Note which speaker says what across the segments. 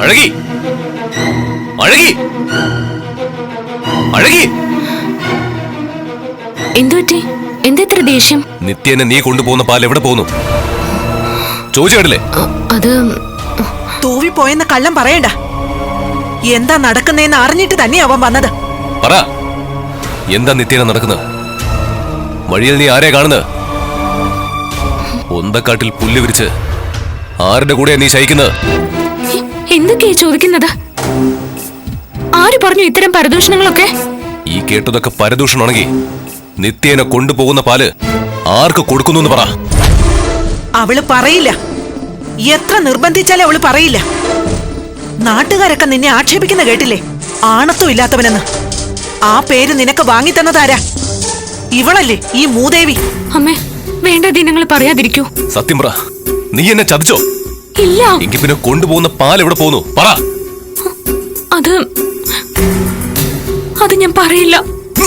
Speaker 1: അഴകി അഴകി അഴകി
Speaker 2: എന്തുപറ്റി? എന്തെത്ര ദേഷ്യം?
Speaker 1: നിത്യേനെ നീ കൊണ്ടുപോകുന്ന പാൽ എവിടെ പോകുന്നു? ചോദിച്ചു കേട്ടില്ലേ?
Speaker 2: അത്
Speaker 3: തൂവിപ്പോയെന്ന് കള്ളം പറയണ്ട. എന്താ നടക്കുന്നതെന്ന് അറിഞ്ഞിട്ട് തന്നെ അവൻ വന്നത്.
Speaker 1: പറ, എന്താ നിത്യേന നടക്കുന്നത്? വഴിയിൽ നീ ആരെയാ കാണുന്നത്? ഒന്തക്കാട്ടിൽ പുല്ല് വിരിച്ച് ആരുടെ കൂടെയാ നീ ശയിക്കുന്നത്?
Speaker 2: എന്തൊക്കെയാ ചോദിക്കുന്നത്? ആര് പറഞ്ഞു ഇത്തരം പരദൂഷണങ്ങളൊക്കെ?
Speaker 1: ഈ കേട്ടതൊക്കെ പരദൂഷണമാണെങ്കിൽ നിത്യേനെ കൊണ്ടുപോകുന്ന പാല് ആർക്ക് കൊടുക്കുന്നു എന്ന് പറ.
Speaker 3: അവള് പറയില്ല. എത്ര നിർബന്ധിച്ചാലും അവള് പറയില്ല. നാട്ടുകാരൊക്കെ നിന്നെ ആക്ഷേപിക്കുന്ന കേട്ടില്ലേ? ആണത്വം ഇല്ലാത്തവനെന്ന്. ആ പേര് നിനക്ക് വാങ്ങിത്തന്നതാരാ? ഇവളല്ലേ, ഈ മൂദേവി.
Speaker 2: അമ്മേ, വേണ്ട ദിനങ്ങൾ പറയാതിരിക്കൂ.
Speaker 1: സത്യം പറ, നീ എന്നെ ചതിച്ചോ?
Speaker 2: ഇല്ല.
Speaker 1: എങ്കിൽ പിന്നെ കൊണ്ടുപോകുന്ന പാൽ എവിടെ പോകുന്നു? പറ.
Speaker 2: അത് ഞാൻ പറയില്ല.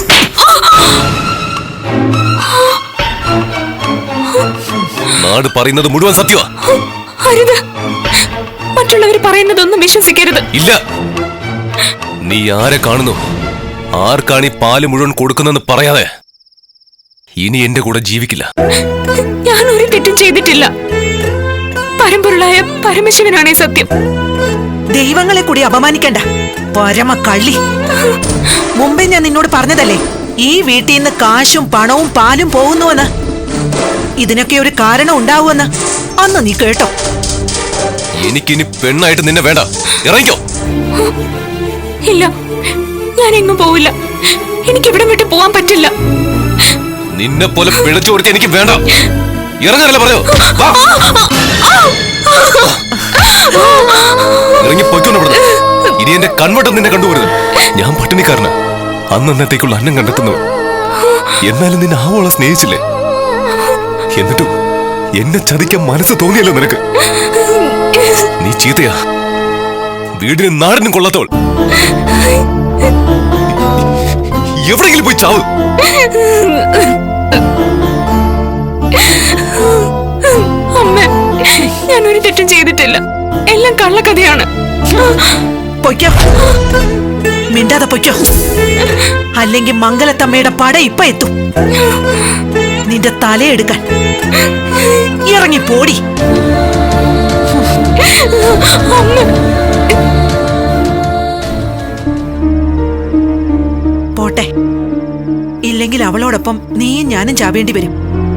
Speaker 1: നാട് പറയുന്നത് മുഴുവൻ സത്യമാ.
Speaker 2: അരുത്, മറ്റുള്ളവർ പറയുന്നതൊന്നും വിശ്വസിക്കരുത്.
Speaker 1: ഇല്ല, നീ ആരെ കാണുന്നു, ആർക്കാണ് ഈ പാല് മുഴുവൻ കൊടുക്കുന്നെന്ന് പറയാതെ ഇനി എന്റെ കൂടെ ജീവിക്കില്ല.
Speaker 2: ഞാൻ ഒരു തെറ്റും ചെയ്തിട്ടില്ല. പരമ്പൊരുളായ പരമശിവനാണേ സത്യം.
Speaker 3: ദൈവങ്ങളെ കൂടി അപമാനിക്കണ്ട, പരമ കള്ളി. മുമ്പേ ഞാൻ നിന്നോട് പറഞ്ഞതല്ലേ, ഈ വീട്ടിൽ നിന്ന് കാശും പണവും പാലും പോകുന്നുവെന്ന്. ഇതിനൊക്കെ ഒരു കാരണം ഉണ്ടാവുമെന്ന് അന്ന് നീ കേട്ടോ?
Speaker 1: എനിക്കിനി പെണ്ണായിട്ട് നിന്നെ വേണ്ട, ഇറങ്ങിക്കോ.
Speaker 2: ഇല്ല, ഞാൻ എങ്ങും പോവില്ല. എനിക്ക് ഇവിടെ വിട്ട് പോവാൻ പറ്റില്ല.
Speaker 1: നിന്നെ പോലെ പിഴച്ചു കൊടുത്ത് എനിക്ക് വേണ്ട. ഇറങ്ങാനല്ലേ പറയോ? ഇറങ്ങി പൊയ്ക്കൊണ്ടു. ഇനി എന്റെ കൺവട്ടം നിന്നെ കണ്ടുപോരുത്. ഞാൻ പട്ടിണിക്കാരന്, അന്നത്തേക്കുള്ള അന്നം കണ്ടെത്തുന്നവൻ. എന്നാലും നിന്നെ ആവോളം സ്നേഹിച്ചില്ലേ? എന്നിട്ടും എന്നെ ചതിക്കാൻ മനസ്സ് തോന്നിയല്ലോ നിനക്ക്. നീ ചീത്തയാ, വീടിനും നാടിനും കൊള്ളത്തോൾ. എവിടെയെങ്കിലും പോയി ചാവ്.
Speaker 2: അമ്മ, ഞാൻ ഒരു തെറ്റും ചെയ്തിട്ടില്ല. എല്ലാം കള്ളക്കഥയാണ്.
Speaker 3: പൊയ്ക്കോ, മിണ്ടാതെ പൊയ്ക്കോ. അല്ലെങ്കിൽ മംഗലത്തമ്മയുടെ പട ഇപ്പൊ എത്തും നിന്റെ തലയെടുക്കാൻ. ഇറങ്ങി പോടി. പോട്ടെ, ഇല്ലെങ്കിൽ അവളോടൊപ്പം നീയും ഞാനും ചാവേണ്ടി വരും.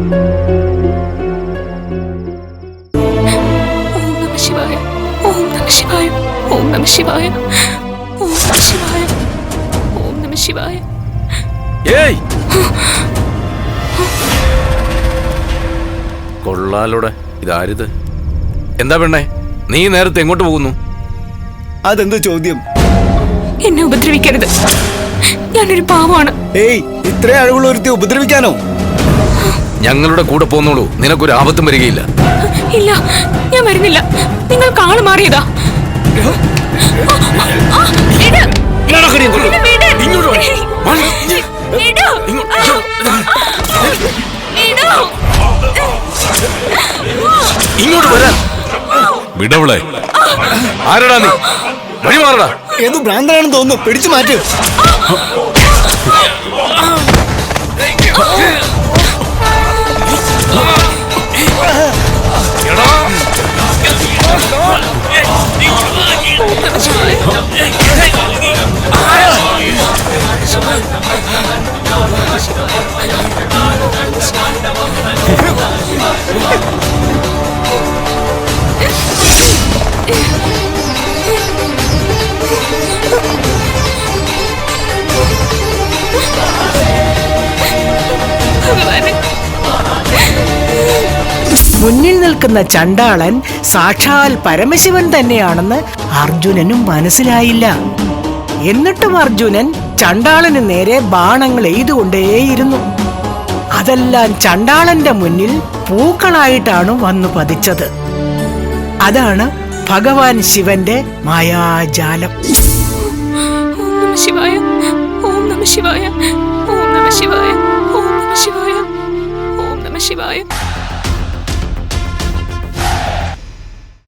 Speaker 2: ഓം നമഃ ശിവായ, ഓം നമഃ ശിവായ, ഓം നമഃ ശിവായ, ഓം നമഃ ശിവായ.
Speaker 4: ഏയ്, കൊള്ളാലോടെ, ഇതാരിത്? എന്താ പെണ്ണേ, നീ നേരത്തെ എങ്ങോട്ട് പോകുന്നു?
Speaker 5: അതെന്ത് ചോദ്യം?
Speaker 2: എന്നെ ഉപദ്രവിക്കരുത്, ഞാനൊരു പാവമാണ്.
Speaker 5: ഏയ്, ഇത്ര അഴകുള്ള ഒരുത്തി ഉപദ്രവിക്കാനോ?
Speaker 4: ഞങ്ങളുടെ കൂടെ പോന്നോളൂ, നിനക്കൊരു ആപത്തും വരികയില്ല.
Speaker 2: ഇല്ല, ഞാൻ വരുന്നില്ല. നിങ്ങൾ കാള് മാറിയതാ.
Speaker 4: ഇങ്ങോട്ട് വരാൻ
Speaker 1: വിടവളെ.
Speaker 4: ആരടാ നീ? വഴിമാറടാ.
Speaker 5: ഏതോ ഭ്രാന്തനാണെന്ന് തോന്നുന്നു, പിടിച്ചു മാറ്റു.
Speaker 6: മുന്നിൽ നിൽക്കുന്ന ചണ്ടാളൻ സാക്ഷാൽ പരമശിവൻ തന്നെയാണെന്ന് അർജുനനും മനസ്സിലായില്ല. എന്നിട്ടും അർജുനൻ ചണ്ടാളന് നേരെ ബാണങ്ങൾ എയ്തുകൊണ്ടേയിരുന്നു. അതെല്ലാം ചണ്ടാളന്റെ മുന്നിൽ പൂക്കളായിട്ടാണ് വന്നു പതിച്ചത്. അതാണ് ഭഗവാൻ ശിവന്റെ മായാജാലം.
Speaker 2: ഓം നമഃ ശിവായ, ഓം നമഃ ശിവായ, ഓം നമഃ ശിവായ, ഓം നമഃ ശിവായ, ഓം നമഃ ശിവായ.